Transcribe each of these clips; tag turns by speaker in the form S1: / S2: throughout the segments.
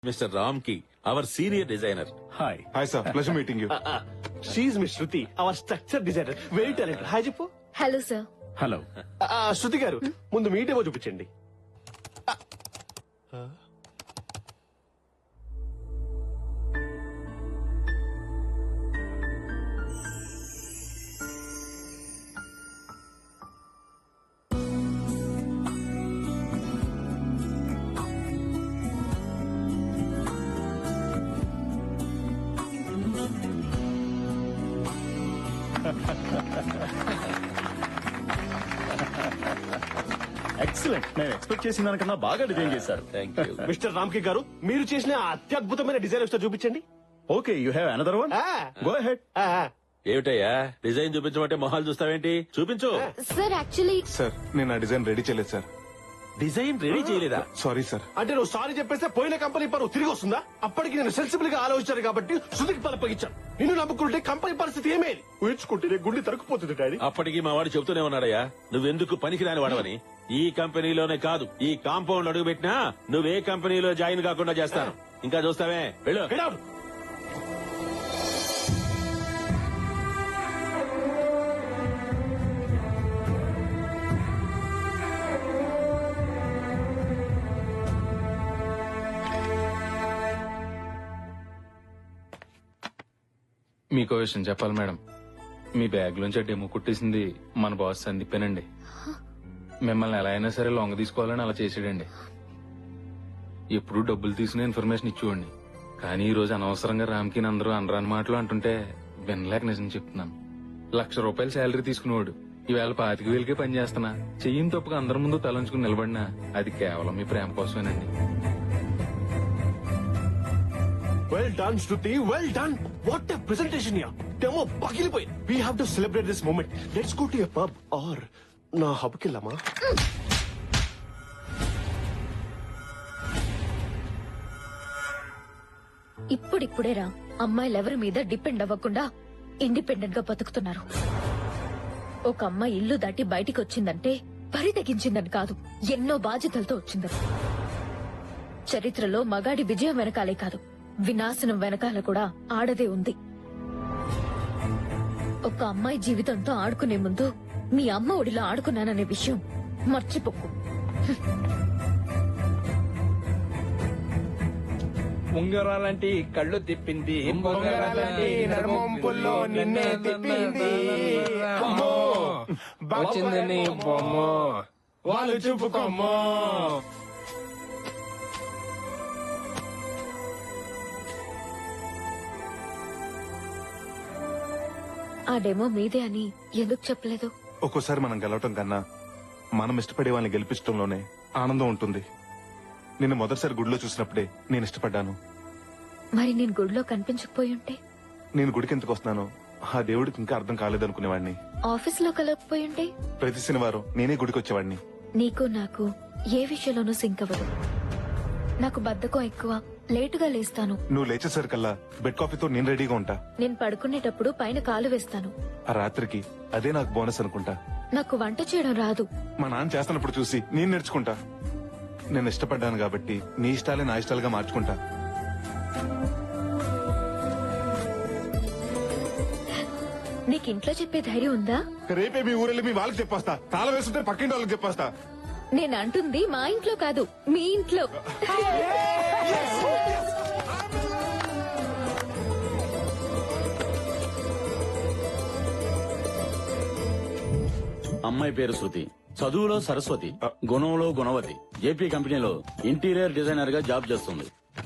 S1: Mr. Ramki, our senior designer.
S2: Hi.
S3: Hi sir, pleasure meeting you.
S2: She's Miss Shruti, our structure designer. Very talented. Hi చెప్పు.
S4: Hello sir.
S2: Hello. Shruti garu ముందు మీటేమో చూపించండి.
S5: Excellent. నేను expect చేసిన దానికన్నా బాగా design చేశారు.
S1: Thank you.
S2: Mister రామ్కి గారు మీరు చేసిన అత్యద్భుతమైన డిజైన్ ఒకసారి చూపించండి.
S5: Okay, you have another one. Go ahead.
S1: ఏమిటయ్యా డిజైన్ చూపించమంటే మొహాలు చూస్తావేంటి? చూపించు.
S4: సార్ యాక్చువల్లీ
S3: సార్ నేను ఆ డిజైన్ రెడీ చేయలేదు సార్.
S1: డిజైన్ రెడీ చేయలేదా?
S3: Sorry sir.
S2: అంటే నువ్వు సారీ చెప్పేస్తే పోయిన కంపెనీ పరువు తిరిగి వస్తుందా? అప్పటికి నేను సెన్సిబుల్ గా ఆలోచించాను కాబట్టి శృతికి పలపగించాను. నిన్ను నమ్ముకుంటే కంపెనీ పరిస్థితి ఏమేది? ఊహించుకుంటే గుండె తరుక్కుపోతుంది డాడీ.
S1: అప్పటికి మా వాడు చెబుతూనే ఉన్నాడయ్యా, నువ్వెందుకు పనికిరాని వాడవని. ఈ కంపెనీలోనే కాదు, ఈ కాంపౌండ్ అడుగు పెట్టినా నువ్వే కంపెనీలో జాయిన్ కాకుండా చేస్తాను. ఇంకా చూస్తావే, వెళ్ళు.
S2: Get out.
S6: మీకో విషయం చెప్పాలి మేడం. మీ బ్యాగ్ లోంచి డెమో కుట్టేసింది మన బాస్ సందీపేనండి. మిమ్మల్ని ఎలా అయినా సరే లొంగ తీసుకోవాలని అలా చేసాడండి. ఎప్పుడు డబ్బులు తీసుకునే ఇన్ఫర్మేషన్ ఇచ్చేవాడిని. కానీ ఈ రోజు అనవసరంగా రామ్కి అందరూ అనరాని మాటలు అంటుంటే వినలేక నిజం చెప్తున్నాను. ₹1,00,000 శాలరీ తీసుకునేవాడు ఈవేళ 25,000కే పని చేస్తున్నా. చెయ్యిని తప్పుగా అందరి ముందు తలంచుకుని నిలబడినా అది కేవలం మీ ప్రేమ కోసమేనండి.
S2: Well done, Shruti. Well done. What a presentation here. Demo పగిలిపోయి. We have to celebrate this moment. Let's go to a pub or నా హబ్ కి వెళ్దామా?
S4: ఇప్పుడిప్పుడేరా అమ్మాయిలు ఎవరి మీద డిపెండ్ అవ్వకుండా ఇండిపెండెంట్ గా బతుకుతున్నారు. ఒక అమ్మాయి ఇల్లు దాటి బయటికి వచ్చిందంటే పరి తెగించిందని కాదు, ఎన్నో బాధ్యతలతో వచ్చిందని. చరిత్రలో మగాడి విజయం వెనకాలే కాదు, వినాశనం వెనకాల కూడా ఆడదే ఉంది. ఒక అమ్మాయి జీవితంతో ఆడుకునే ముందు మీ అమ్మ ఒడిలో ఆడుకున్నాననే విషయం మర్చిపోకు.
S7: ఉంగరాలంటి కళ్ళు తిప్పింది, ఉంగరాలంటి నడుమొంపుల్లో నిన్నే తిప్పింది. అమ్మో, వచ్చింది నీ బొమ్మ, వాళ్ళు చూపుకోమ్మో.
S4: ఆ డెమో మీదే అని ఎందుకు చెప్పలేదు?
S3: ఒక్కోసారి మనం గెలవటం కన్నా మనం ఇష్టపడే వాళ్ళని గెలిపించడంలోనే ఆనందం ఉంటుంది. నిన్ను మొదటిసారి గుడిలో చూసినప్పుడే నేను ఇష్టపడ్డాను.
S4: మరి నేను గుడిలో కనిపించకపోయి ఉంటే?
S3: నేను గుడికి ఎందుకు వస్తున్నానో ఆ దేవుడికి ఇంకా అర్థం కాలేదనుకునేవాడిని.
S4: ఆఫీస్ లో కలగకపోయి ఉంటే?
S3: ప్రతి శనివారం నేనే గుడికి వచ్చేవాడిని.
S4: నీకు నాకు ఏ విషయంలోనూ సింక్ అవ్వదు. నాకు బద్ధకం ఎక్కువ, లేటుగా లేస్తాను.
S3: నువ్వు లేచేసరికల్లా బెడ్ కాఫీతో నేను రెడీగా ఉంటా.
S4: నేను పడుకునేటప్పుడు పైన కాలు వేస్తాను.
S3: ఆ రాత్రికి అదే నాకు బోనస్ అనుకుంటా.
S4: నాకు వంట చేయడం రాదు.
S3: మా నాన్న చేస్తున్నప్పుడు చూసి నేను నేర్చుకుంటా. నేను ఇష్టపడ్డాను కాబట్టి నీ ఇష్టాలే నా ఇష్టాలుగా మార్చుకుంటా.
S4: నీకు ఇంట్లో చెప్పే ధైర్యం ఉందా?
S3: రేపే మీ ఊరెళ్ళి మీ వాళ్ళకి చెప్పేస్తా. తాళం వేస్తుంటే పక్కింటి వాళ్ళకి చెప్పేస్తా.
S4: నేను అంటుంది మా ఇంట్లో కాదు, మీ ఇంట్లో.
S1: అమ్మాయి పేరు శృతి, చదువులో సరస్వతి, గుణంలో గుణవతి. జేపీ కంపెనీలో ఇంటీరియర్ డిజైనర్ గా జాబ్ చేస్తుంది.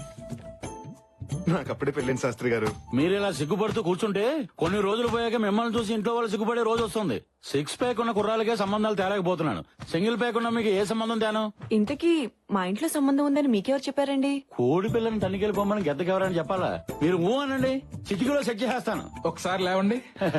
S3: నాకు అప్పుడే పెళ్ళింది శాస్త్రి గారు.
S1: మీరిలా సిగ్గుపడుతూ కూర్చుంటే కొన్ని రోజులు పోయాక మిమ్మల్ని చూసి ఇంట్లో వాళ్ళు సిగ్గుపడే రోజు వస్తుంది. 6 ప్యాక్ ఉన్న కుర్రాలకే సంబంధాలు తేలేకపోతున్నాను. సింగిల్ ప్యాక్ ఉన్న మీకు ఏ సంబంధం తేను?
S8: ఇంతకీ మా ఇంట్లో సంబంధం ఉందని మీకెవరు చెప్పారండి?
S1: కోడి పిల్లని తనికెళ్ళిపోమని గెద్దకెవరని చెప్పాలా? మీరు ఊ అనండి, చిటికీలో సెట్ చేసేస్తాను.
S7: ఒకసారి లేవండి.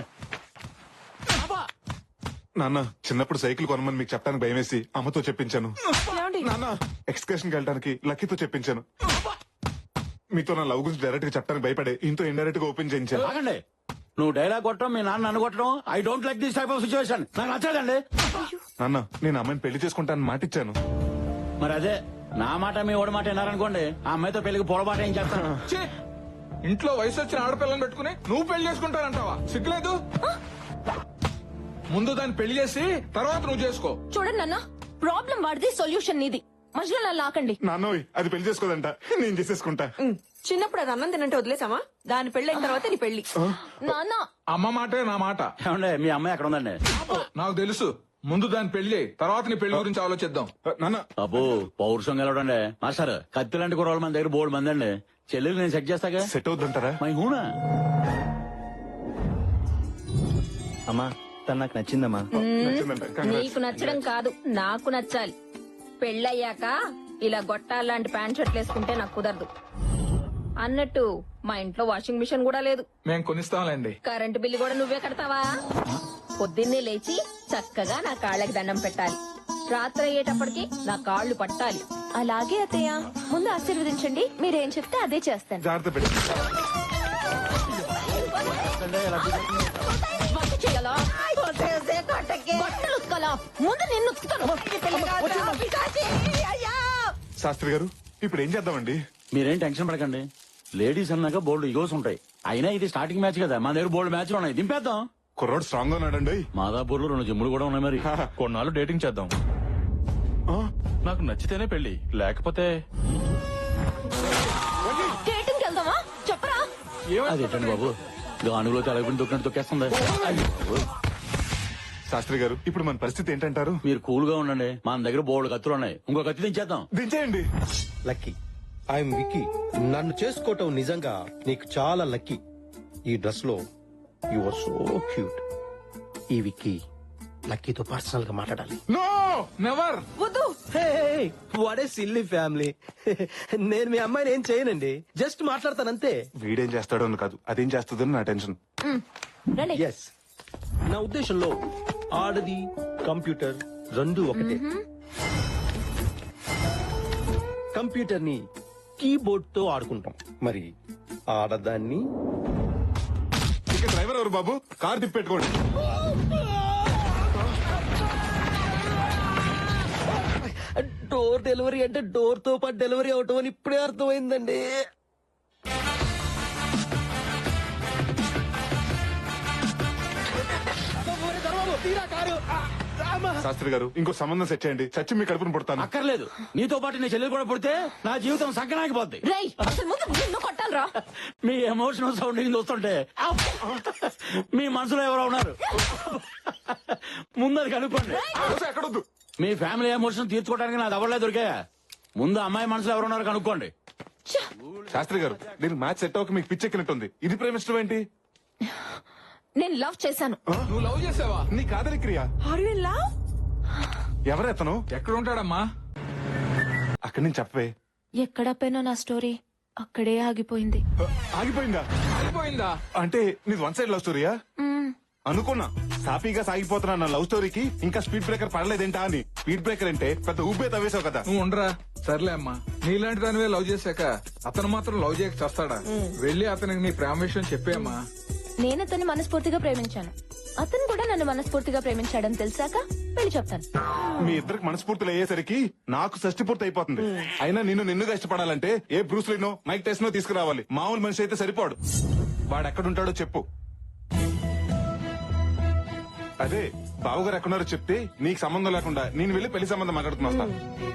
S3: నాన్న చిన్నప్పుడు సైకిల్ కొనమని మీకు చెప్పడానికి భయమేసి అమ్మతో చెప్పించాను. నాన్న ఎక్స్కర్షన్ కి వెళ్ళడానికి లక్కీతో చెప్పించాను. మీతో నా లవ్ గురించి డైరెక్ట్ గా చెప్పడానికి భయపడే ఇంతో ఇండైరెక్ట్ గా ఓపెన్ చేయించాను.
S1: ఆగండి, నువ్వు డైలాగ్ కొట్టడం, మీ నాన్న నన్ను కొట్టడం, I don't like this type of situation. నాకు నచ్చదండి.
S3: నాన్న నేను అమ్మాయిని పెళ్లి చేసుకుంటానని మాటిచ్చాను.
S1: మరి అదే
S5: నా మాట మీ ఓడి మాట విన్నారనుకోండి ఆ అమ్మాయితో పెళ్లికి పొరపాటు ఏం చేస్తాను
S7: ఛీ! ఇంట్లో వయసు వచ్చిన ఆడపిల్లని పెట్టుకుని నువ్వు పెళ్లి చేసుకుంటానంటావా సిగ్గులేదు ముందు దాన్ని పెళ్లి చేసి తర్వాత నువ్వు చేసుకో.
S4: చూడండి నాన్న, ప్రాబ్లం వాడిది, సొల్యూషన్ నీది. మధ్యలో నన్ను లాకండి.
S3: నాన్నోయ్ అది పెళ్లి చేసుకోదంట, నేను చేసేసుకుంటా.
S8: చిన్నప్పుడు అది అన్నం తినంటే వదిలేసామా? దాని పెళ్ళైన తర్వాత నీ పెళ్లి.
S4: నాన్న,
S7: అమ్మ మాటే నా మాట.
S5: ఏమండే మీ అమ్మాయి ఎక్కడ ఉందండి?
S7: నాకు తెలుసు. ముందు దాని పెళ్లి, తర్వాత నీ పెళ్లి గురించి ఆలోచిద్దాం.
S3: నాన్న
S5: అబ్బో పౌరుషం గెలవడండి మాస్టర్. కత్తి లాంటి కుర్రోళ్ళ మన దగ్గర బోర్డు మంది అండి. చెల్లెలు నేను సెట్ చేస్తాగా.
S3: సెట్ అవుద్దంటారా?
S5: మై హూనా
S9: అమ్మా తను నాకు నచ్చిందమ్మా.
S3: నచ్చిందంట. Congrats.
S4: నీకు నచ్చడం కాదు, నాకు నచ్చాలి. పెళ్ళయ్యాక ఇలా గొట్టాలాంటి ప్యాంట్ షర్ట్లు వేసుకుంటే నాకు కుదరదు. అన్నట్టు మా ఇంట్లో వాషింగ్ మిషన్ కూడా లేదు.
S7: మేము కొనిస్తాంలేండి.
S4: కరెంటు బిల్లు కూడా నువ్వే కడతావా? పొద్దున్నే లేచి చక్కగా నా కాళ్ళకి దండం పెట్టాలి. రాత్రి అయ్యేటప్పటికి నా కాళ్ళు పట్టాలి. అలాగే అత్తయ్య, ముందు ఆశీర్వదించండి. మీరేం చెప్తే అదే చేస్తాను.
S3: జాగ్రత్త పెట్టి
S4: వంట చేయాలా? బట్టలు ఉతకాలా? ముందు నిన్ను ఉతుకుతాను.
S3: శాస్త్రి గారు ఇప్పుడు ఏం చేద్దామండి?
S5: మీరేం టెన్షన్ పడకండి. లేడీస్ అన్నాక బోల్డ్ ఈగోస్ ఉంటాయి. అయినా ఇది స్టార్టింగ్ మ్యాచ్ కదా, మన దగ్గర బోల్డ్ మ్యాచ్లు ఉన్నాయి. దింపేద్దాం.
S3: కుర్రోడు స్ట్రాంగ్ గా ఉన్నాడండి.
S5: మాదాపూర్ లో 2 జిమ్ములు కూడా ఉన్నాయి. మరి
S6: కొన్నాళ్ళు డేటింగ్ చేద్దాం. నాకు నచ్చితేనే పెళ్లి, లేకపోతే
S4: డేటింగ్కి వెళ్దామా? చెప్పరా?
S5: అదేంటండి బాబు, గానుగులో తెలగకుండా దొక్కినట్టు తొక్కేస్తుంది.
S3: శాస్త్రి గారు ఇప్పుడు మన పరిస్థితి ఏంటంటారు?
S5: మీరు కూల్ గా ఉండండి. మన దగ్గర బోల్డ్ కత్తులు ఉన్నాయి. ఇంకో కత్తి దించేద్దాం.
S3: దించేయండి.
S9: Lucky I'm Vicky. నన్ను చేసుకోవటం నిజంగా నీకు చాలా లక్కీ. ఈ డ్రెస్ లో యు ఆర్ సో క్యూట్. ఈ విక్కీ లక్కీతో పర్సనల్ గా మాట్లాడాలి.
S3: No
S7: never.
S9: What a silly family. నేను మీ అమ్మాయిని ఏం చేయనండి, జస్ట్ మాట్లాడతానంతే.
S3: వీడేం చేస్తాడో అని కాదు, అదేం చేస్తుందని నా టెన్షన్.
S4: రండి.
S9: ఎస్, నా ఉద్దేశంలో ఆడది కంప్యూటర్ రెండు ఒకటే. కంప్యూటర్ ని కీబోర్డ్ తో ఆడుకుంటాం, మరి ఆడదాన్ని
S3: ఇక డ్రైవర్ ఎవరు బాబు? కార్ తిప్పెట్టుకోండి.
S9: డోర్ డెలివరీ అంటే డోర్ తో పాటు డెలివరీ అవటం అని ఇప్పుడే అర్థమైందండి.
S3: శాస్త్రి గారు ఇంకో సంబంధం సెట్ చేయండి, చచ్చి మీ కడుపును పుడతాను.
S5: అక్కర్లేదు. నీతో పాటు నీ చెల్లెలు కూడా పుడితే నా జీవితం సంకనాగిపోద్ది.
S4: రేయ్, అసలు ముందు నిన్ను కొట్టాలరా?
S5: మీ ఎమోషనల్ సౌండింగ్ చూస్తుంటే మీ మనసులో ఎవరో ఉన్నారు. ముందు అది కనుక్కోండి.
S3: ఎక్కడొద్దు.
S5: మీ ఫ్యామిలీ ఎమోషన్ తీర్చుకోవడానికి నాది ఎవరలే దొరికా. ముందు అమ్మాయి మనసులో ఎవరున్నారు కనుక్కోండి.
S3: శాస్త్రి గారు దీనికి మ్యాచ్ సెట్ అవ్వక మీకు పిచ్చెక్కినట్టుంది. ఇది ప్రేమిష్టం ఏంటి?
S4: నేను లవ్ చేశాను.
S7: నువ్వు లవ్ చేసావా?
S3: నీ కాదలి క్రియ.
S8: Are you in love?
S3: ఎవరెతను?
S7: ఎక్కడ ఉంటాడమ్మా?
S3: అక్కడి నుంచి చెప్పవే.
S4: ఎక్కడ పెనో నా స్టోరీ అక్కడే ఆగిపోయింది.
S3: ఆగిపోయిందా?
S7: అయిపోయిందా?
S3: అంటే నీది వన్ సైడ్ లవ్ స్టోరీయా? అనుకున్నా సాఫీగా సాగిపోతున్నా నా లవ్ స్టోరీకి ఇంకా స్పీడ్ బ్రేకర్ పడలేదేంటా అని. స్పీడ్ బ్రేకర్ అంటే పెద్ద ఊపే తవ్వేశావు కదా.
S7: నువ్వు ఉండరా. సర్లే అమ్మా, నీలాంటి దానివే లవ్ చేశాక అతను మాత్రం లవ్ చేయక చేస్తాడా? వెళ్ళి అతనికి నీ ప్రేమ విషయం చెప్పేమ్మా.
S4: నేను అతన్ని మనస్ఫూర్తిగా ప్రేమించాను, అతను కూడా నన్ను మనస్ఫూర్తిగా ప్రేమించాడని తెలిసాక పెళ్లి చెప్తాను.
S3: మీ ఇద్దరికి మనస్ఫూర్తులు అయ్యేసరికి నాకు షష్టి పూర్తి అయిపోతుంది. అయినా నిన్నుగా ఇష్టపడాలంటే ఏ బ్రూస్ లీనో మైక్ టెస్నో తీసుకురావాలి. మామూలు మనిషి అయితే సరిపోడు. వాడు ఎక్కడుంటాడో చెప్పు. అదే బావగారు ఎక్కడున్నారో చెప్తే నీకు సంబంధం లేకుండా నేను వెళ్ళి పెళ్లి సంబంధం మాట్లాడుతున్నా వస్తా.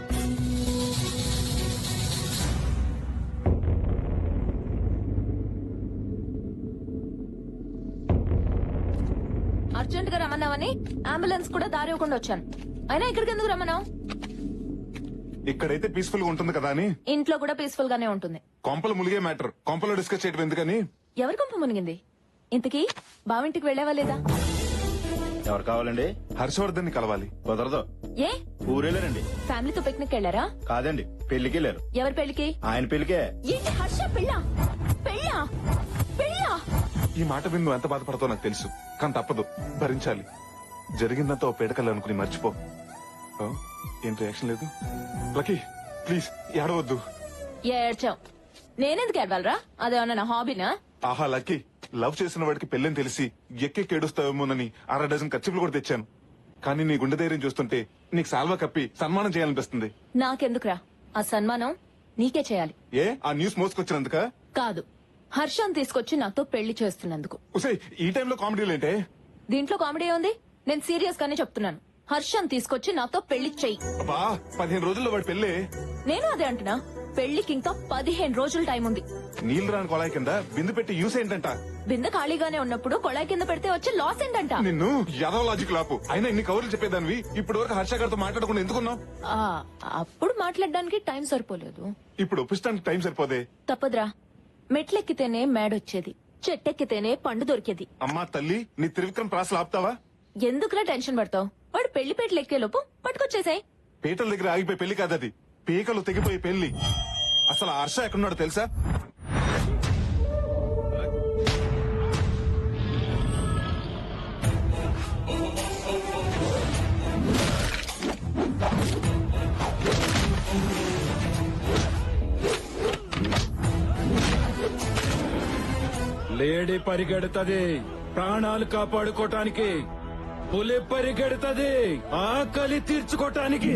S4: అర్జెంట్ గా రమ్మన్నావని అంబులెన్స్ కూడా దారి ఇవ్వకుండా వచ్చాను. అయినా ఇక్కడికి ఎందుకు రమ్మన్నావు?
S3: ఇక్కడైతే పీస్ఫుల్ గా ఉంటుంది కదా అని.
S4: ఇంట్లో కూడా పీస్ఫుల్ గానే ఉంటుంది.
S3: కొంపలు ములిగే మ్యాటర్ కొంపలో డిస్కస్ చేయడం ఎందుకని.
S4: ఎవరి కొంప మునిగింది? ఇంతకీ బావింటికి వెళ్ళావా లేదా?
S9: ఎవరు కావాలండి?
S3: హర్షవర్ధన్ ని కలవాలి.
S9: కుదరదు.
S4: ఏ
S9: ఊరెళ్ళారండి.
S4: ఫ్యామిలీతో పిక్నిక్ వెళ్ళారా?
S9: కాదండి, పెళ్లికి వెళ్ళారు.
S4: ఎవరి పెళ్లికి?
S9: ఆయన పెళ్లికే.
S4: ఏంటి హర్ష పెళ్ళా? పెళ్ళా? పెళ్ళా?
S3: ఈ మాట విని నువ్వు ఎంత బాధపడతావు నాకు తెలుసు, కానీ తప్పదు, భరించాలి. జరిగిందంతా ఓ పేడకల్ అనుకుని మర్చిపో. ఆ? ఏం రియాక్షన్ లేదు? లక్కీ ప్లీజ్ ఏడవద్దు.
S4: ఏడ్చావు. నేనెందుకు ఏడవాలరా? అదేమన్నా నా హాబీనా?
S3: ఆహా లక్కీ, లవ్ చేసిన వాడికి పెళ్ళని తెలిసి ఎక్కేడుస్తావేమోనని 6 డజన్ ఖర్చులు కూడా తెచ్చాను. కానీ నీ గుండె ధైర్యం చూస్తుంటే నీకు సాల్వా కప్పి సన్మానం చేయాలనిపిస్తుంది.
S4: నాకెందుకురా?
S10: ఆ సన్మానం నీకే చేయాలి.
S3: ఏ ఆ న్యూస్ మోసుకొచ్చినందుక?
S10: కాదు, హర్షం తీసుకొచ్చి నాతో పెళ్లి చేస్తున్నందుకు.
S3: ఉసే ఈ టైంలో కామెడీలు ఏంటే?
S10: దీంట్లో కామెడీ ఉంది? నేను సీరియస్ గానే చెప్తున్నాను. హర్షం తీసుకొచ్చి నాతో పెళ్లి చెయ్యి.
S3: అబ్బా 15 రోజుల్లో వాడి పెళ్ళి.
S10: నేను అదే అంటున్నా, పెళ్లికి ఇంకా 15 రోజులు టైం ఉంది.
S3: నీళ్లు రాని కొళాయి కింద బిందు పెట్టి యూస్ ఏంటంట?
S10: బిందె ఖాళీగానే ఉన్నప్పుడు కొళాయి కింద పెడితే వచ్చే లాస్ ఏంటంట?
S3: నిన్ను యదవ లాజిక్ లాపు. అయినా ఇన్ని కవర్లు చెప్పేదానివి ఇప్పుడు వరకు హర్ష గారితో మాట్లాడకుండా ఎందుకున్నావు?
S10: ఆ, అప్పుడు మాట్లాడడానికి టైం సరిపోలేదు.
S3: ఇప్పుడు ఒప్పిస్తానికి టైం సరిపోదే.
S10: తప్పదురా, మెట్లెక్కితేనే మేడొచ్చేది, చెట్టెక్కితేనే పండు దొరికేది.
S3: అమ్మా తల్లి, నీ త్రివిక్రమ్ ప్రాసలు ఆపుతావా?
S10: ఎందుకులా టెన్షన్ పడతావు? వాడు పెళ్లి పేటలు ఎక్కేలోపు పట్టుకొచ్చేసాయి.
S3: పీటల దగ్గర ఆగిపోయి పెళ్లి కాదది, పీకలు తెగిపోయి పెళ్లి. అసలు ఆ హర్ష ఎక్కడున్నాడు తెలుసా?
S5: లేడీ పరిగెడుతుంది ప్రాణాలు కాపాడుకోటానికి, పులి పరిగెడుతుంది ఆకలి తీర్చుకోటానికి.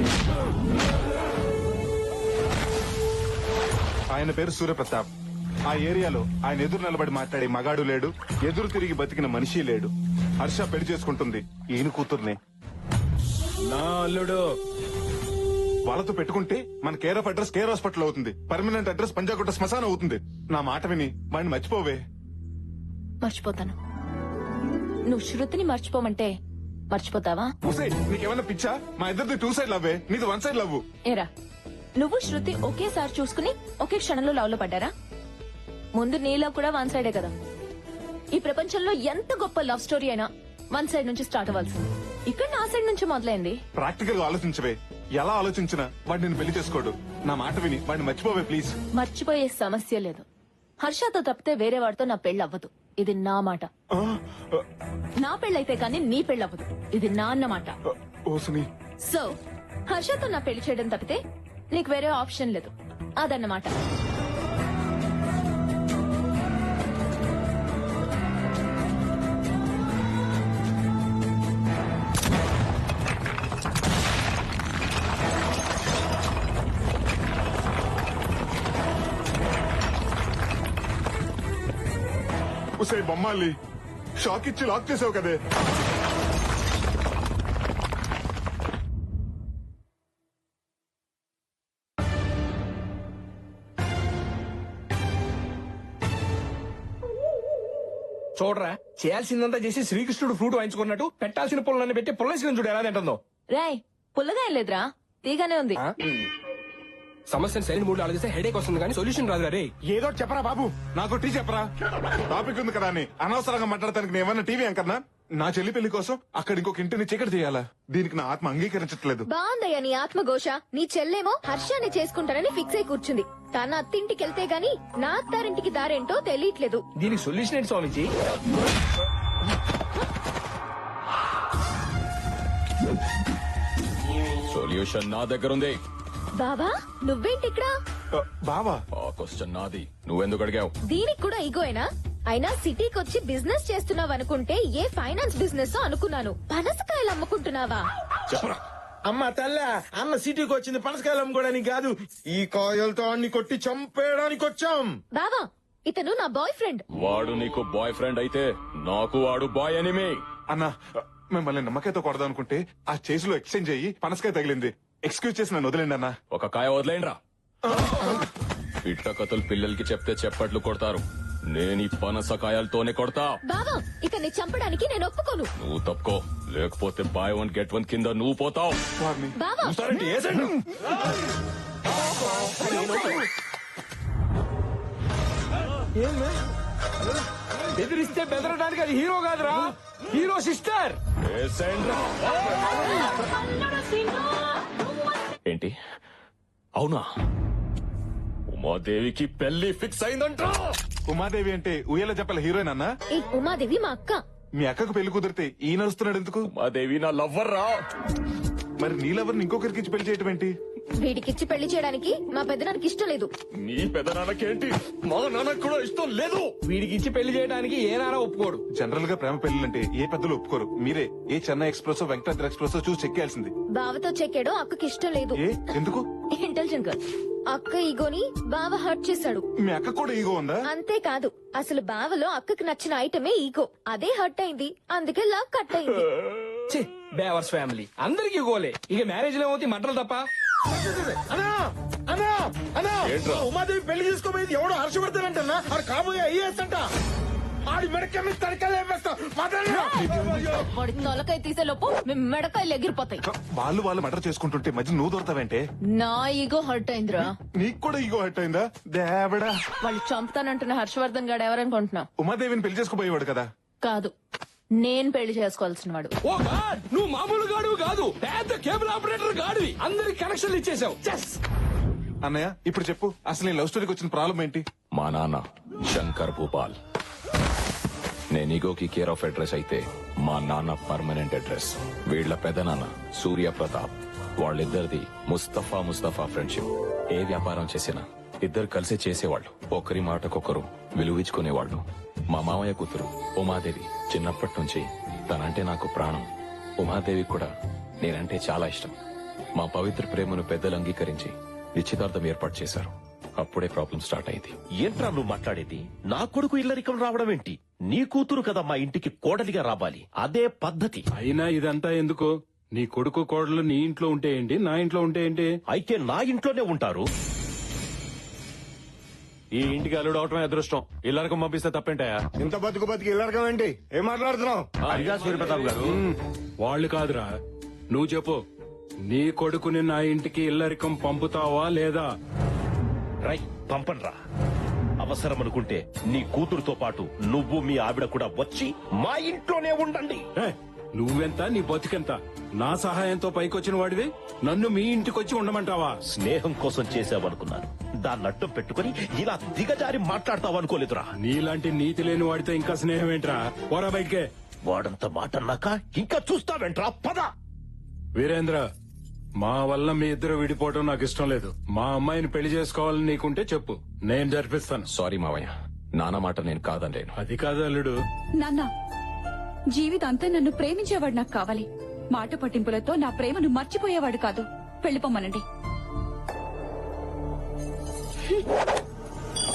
S3: ఆయన పేరు సూర్యప్రతాప్. ఆ ఏరియాలో ఆయన ఎదురు నిలబడి మాట్లాడే మగాడు లేడు, ఎదురు తిరిగి బతికిన మనిషి లేడు. హర్ష పెళ్లి చేసుకుంటుంది ఈయన కూతుర్నే.
S5: నా అల్లుడు
S3: వాళ్ళతో పెట్టుకుంటే మన care of address care hospital అవుతుంది, పర్మనెంట్ అడ్రస్ పంజాగుట్ట శ్మశానం అవుతుంది. నా మాట విని వాడిని మర్చిపోవే.
S10: మర్చిపోతాను. నువ్వు శృతిని మర్చిపోమంటే మర్చిపోతావా?
S3: ఉసే నీకేమన్నా పిచ్చా? మా ఇద్దరిది 2 సైడ్ లవ్వే, నీది 1 సైడ్ లవ్.
S10: ఏరా, నువ్వు శృతి ఒకేసారి చూసుకుని ఒకే క్షణంలో లవ్ లో పడ్డారా? ముందు నీ లవ్ కూడా 1 సైడే కదా. ఈ ప్రపంచంలో ఎంత గొప్ప లవ్ స్టోరీ అయినా 1 సైడ్ నుంచి స్టార్ట్ అవ్వాల్సింది. ఇక్కడ నా సైడ్ నుంచి మొదలైంది.
S3: ప్రాక్టికల్ గా ఆలోచించవే. ఎలా ఆలోచించినా వాడు నేను పెళ్లి చేసుకోడు. నా మాట విని వాడిని మర్చిపోవే ప్లీజ్.
S10: మర్చిపోయే సమస్య లేదు. హర్షతో తప్పితే వేరే వాడితో నా పెళ్లి అవ్వదు. ఇది నా మాట. నా పెళ్ళైతే కానీ నీ పెళ్లి అవ్వదు. ఇది నా అన్నమాట.
S3: ఓసుని,
S10: సో హర్షతో నా పెళ్లి చేయడం తప్పితే నీకు వేరే ఆప్షన్ లేదు. అదన్నమాట.
S3: ఉసే బొమ్మాలి, షాక్ ఇచ్చి లాక్ చేసావు కదే.
S11: చూడరా, చేయాల్సిందంతా చేసి శ్రీకృష్ణుడు ఫ్రూట్ వాయించుకున్నట్టు పెట్టాల్సిన పుల్లన్ని పెట్టి పుల్లేసిన చూడు ఎలా తింటుందో.
S10: రాయ్, పుల్లగా ఏం లేదురా, తీగానే ఉంది.
S11: సమస్యను సరైన మూడు ఆలోచిస్తే హెడేక్ వస్తుంది కానీ సొల్యూషన్ రాదు. రే
S3: ఏదో చెప్పరా బాబు, నాకు టీ చెప్పరా. టాపిక్ ఉంది కదా అని అనవసరంగా మాట్లాడటానికి నేను ఏమన్నా టీవీ అంకన్నా? నా చెల్లి పెళ్లి కోసం అక్కడ ఇంకొక ఇంటిని చీకటి చేయాలా? దీనికి నా ఆత్మ అంగీకరించట్లేదు.
S4: బాగుందయ్యా నీ ఆత్మఘోష. నీ చెల్లేమో హర్షాన్ని చేసుకుంటానని ఫిక్స్ అయి కూర్చుంది. తన అత్తింటికి వెళ్తే గాని నా అత్తారింటికి దారేంటో తెలియట్లేదు.
S11: దీనికి సొల్యూషన్ ఏంటి స్వామిజీ?
S12: సొల్యూషన్ నా దగ్గర ఉంది.
S4: బాబా నువ్వేంటి ఇక్కడ?
S3: బావా,
S12: ఆ క్వశ్చన్ నాది, నువ్వెందుకు అడిగావు?
S4: దీనికి కూడా ఈగోయేనా? అయినా సిటీకి వచ్చి బిజినెస్ చేస్తున్నావు అనుకుంటే ఏ ఫైనాన్స్ బిజినెస్ అనుకున్నాను. పనసకాయలు అమ్ముకుంటున్నావా?
S12: చెప్పరా.
S5: అమ్మ తల్ల, అన్న సిటీకి వచ్చింది పనసకాయలు అమ్ముకోవడానికి కాదు, ఈ కాయలతో అన్ని కొట్టి చంపేయడానికి వచ్చాం.
S4: బావా ఇతను నా బాయ్ ఫ్రెండ్.
S12: వాడు నీకు బాయ్ ఫ్రెండ్ అయితే నాకు వాడు బాయ్ ఎనిమి.
S3: అన్నా మిమ్మల్ని నమ్మకాయతో కొడదాం అనుకుంటే ఆ చేసిలో ఎక్స్చేంజ్ అయ్యి పనసకాయ తగిలింది. ఎక్స్క్యూజ్ చేసి నన్ను వదిలేండి అన్నా.
S12: ఒక కాయ వదిలేండ్రా. ఇట్ట కథలు పిల్లలకి చెప్తే చెప్పట్లు కొడతారు. నేను ఈ పనసకాయలతోనే కొడతా.
S4: బావా ఇతన్ని చంపడానికి నేను ఒప్పుకోను.
S12: నువ్వు తప్పుకో, లేకపోతే బై 1 గెట్ 1 కింద నువ్వు పోతావు.
S4: బావా
S11: బెదిరిస్తే బెదరడానికి అది హీరో కాదురా, హీరో సిస్టర్.
S12: ఏంటి అవునా? ఉమాదేవికి పెళ్లి ఫిక్స్ అయిందంట.
S3: ఉమాదేవి అంటే ఉయ్యాల చెప్పల హీరోయిన్ అన్నా?
S4: ఈ ఉమాదేవి మా అక్క.
S3: మీ అక్కకు పెళ్లి కుదిరితే ఈయన వస్తున్నాడు ఎందుకు?
S12: ఉమాదేవి నా లవ్వర్ రా.
S3: మరి నీ లవర్ని ఇంకొకరికి ఇచ్చి పెళ్లి చేయటం ఏంటి?
S4: వీడికిచ్చి పెళ్లి చేయడానికి మా పెద్దనానికి ఇష్టం లేదు.
S12: నీ పెదనాన్నకేంటి మా నాన్నకు కూడా ఇష్టం లేదు.
S11: వీడికి ఇచ్చి పెళ్లి చేయడానికి ఏ నారా ఒప్పుకోడు.
S3: జనరల్ గా ప్రేమ పెళ్లిలంటే ఏ పెద్దలు ఒప్పుకోరు. మీరే ఏ చెన్నై ఎక్స్ప్రెస్ వెంకటాద్రి ఎక్స్ప్రెస్ చూసి చెక్కేయాల్సింది.
S4: బావతో చెక్కాడు, అక్కకి ఇష్టం లేదు.
S3: ఏ ఎందుకు?
S4: Intelligent girl. అక్క ఈగోని బావ హర్ట్ చేశాడు.
S3: మీ అక్క కూడా ఈగో ఉందా?
S4: అంతేకాదు, అసలు బావలో అక్కకి నచ్చిన ఐటమే ఈగో. అదే హర్ట్ అయింది, అందుకే లవ్ కట్ అయింది.
S11: బేవర్స్ ఫ్యామిలీ అందరికి గోలే. ఇక మ్యారేజ్ లో ఏమవుతాయి మంటలు తప్ప.
S5: ఉమాదేవి పెళ్లి చేసుకోబోయేది ఎవడో హర్షవర్ధన్ ఆడు కాబోయే ఐఏఎస్ అంట. ఆడి మెడకాయ తడకలు
S10: వాడి తొలకాయ తీసే లోపు మీ మెడకాయలు ఎగిరిపోతాయి.
S3: వాళ్ళు మర్డర్ చేసుకుంటుంటే మధ్య నువ్వు దొరతావంటే?
S10: నా ఈగో హర్ట్ అయిందిరా.
S3: నీకు కూడా ఈగో హర్ట్ అయిందా? దేవడా,
S10: వాళ్ళు చంపుతానంటున్న హర్షవర్ధన్ గాడు ఎవరనుకుంటున్నావు?
S3: ఉమాదేవిని పెళ్లి చేసుకోబోయేవాడు కదా.
S10: కాదు, నేను పెళ్లి చేసుకోవాల్సిన వాడు.
S11: ఓ గాడ్, నువ్వు మామూలు గాడు కాదు, పెద్ద కేబుల్ ఆపరేటర్ గాడివి. అందరికి కనెక్షన్లు ఇచ్చేసావు.
S3: అన్నయ్య ఇప్పుడు చెప్పు, అసలు ఈ లవ్ స్టోరీకి వచ్చిన ప్రాబ్లం ఏంటి?
S12: మా నాన్న శంకర్ భూపాల్. నేను ఈగోకి కేర్ ఆఫ్ అడ్రస్ అయితే మా నాన్న పర్మనెంట్ అడ్రస్. వీళ్ల పెదనాన్న సూర్య ప్రతాప్. వాళ్ళిద్దరిది ముస్తఫా ఫ్రెండ్షిప్. ఏ వ్యాపారం చేసినా ఇద్దరు కలిసి చేసేవాళ్ళు. ఒకరి మాటకొకరు విలువించుకునేవాళ్ళు. మా మామయ్య కూతురు ఉమాదేవి చిన్నప్పటి నుంచి తనంటే నాకు ప్రాణం. ఉమాదేవి కూడా నేనంటే చాలా ఇష్టం. మా పవిత్ర ప్రేమను పెద్దలు అంగీకరించి నిశ్చితార్థం ఏర్పాటు చేశారు. అప్పుడే ప్రాబ్లం స్టార్ట్ అయింది.
S5: ఏంట్రా నువ్వు మాట్లాడేది? నా కొడుకు ఇల్లరికం రావడం ఏంటి? నీ కూతురు కదా మా ఇంటికి కోడలిగా రావాలి, అదే పద్ధతి.
S13: అయినా ఇదంతా ఎందుకు? నీ కొడుకు కోడలు నీ ఇంట్లో ఉంటే ఏంటి, నా ఇంట్లో ఉంటే ఏంటి?
S5: అయితే నా ఇంట్లోనే ఉంటారు.
S1: ఈ ఇంటికి అల్లుడు అవటమే అదృష్టం. ఇల్లరకం పంపిస్తే తప్పేంటాయా?
S2: ఇంత బతికి ఇల్లరకం ఏంటి? ఏం మాట్లాడుతున్నావు?
S5: అదిగా సూర్యప్రతాప్ గారు.
S13: వాళ్ళు కాదురా, నువ్వు చెప్పు. నీ కొడుకుని నా ఇంటికి ఇల్లరికం పంపుతావా లేదా?
S5: రై, పంపన్రా. అవసరం అనుకుంటే నీ కూతురుతో పాటు నువ్వు మీ ఆవిడ కూడా వచ్చి మా ఇంట్లోనే ఉండండి.
S13: నువ్వెంత, నీ బతికెంత? నా సహాయంతో పైకొచ్చిన వాడివి నన్ను మీ ఇంటికొచ్చి ఉండమంటావా?
S5: స్నేహం కోసం చేసావనుకున్నాను, దాన్ని అడ్డం పెట్టుకుని ఇలా దిగజారి మాట్లాడతావనుకోలేదురా.
S13: నీలాంటి నీతి లేని వాడితో ఇంకా స్నేహం ఏంట్రా? పోరా బయటికే.
S5: వాడంత మాట అన్నాక ఇంకా చూస్తావేంట్రా? పద.
S13: వీరేంద్ర, మా వల్ల మీ ఇద్దరు విడిపోవడం నాకు ఇష్టం లేదు. మా అమ్మాయిని పెళ్లి చేసుకోవాలని నీకుంటే చెప్పు, నేను జరిపిస్తాను.
S12: సారీ మావయ్య, నాన్న మాట నేను కాదనలేను.
S13: అది కాదు అల్లుడు.
S14: నాన్న, జీవితాంతా నన్ను ప్రేమించేవాడు నాకు కావాలి. మాట పట్టింపులతో నా ప్రేమను మర్చిపోయేవాడు కాదు. పెళ్లిపోమ్మనండి.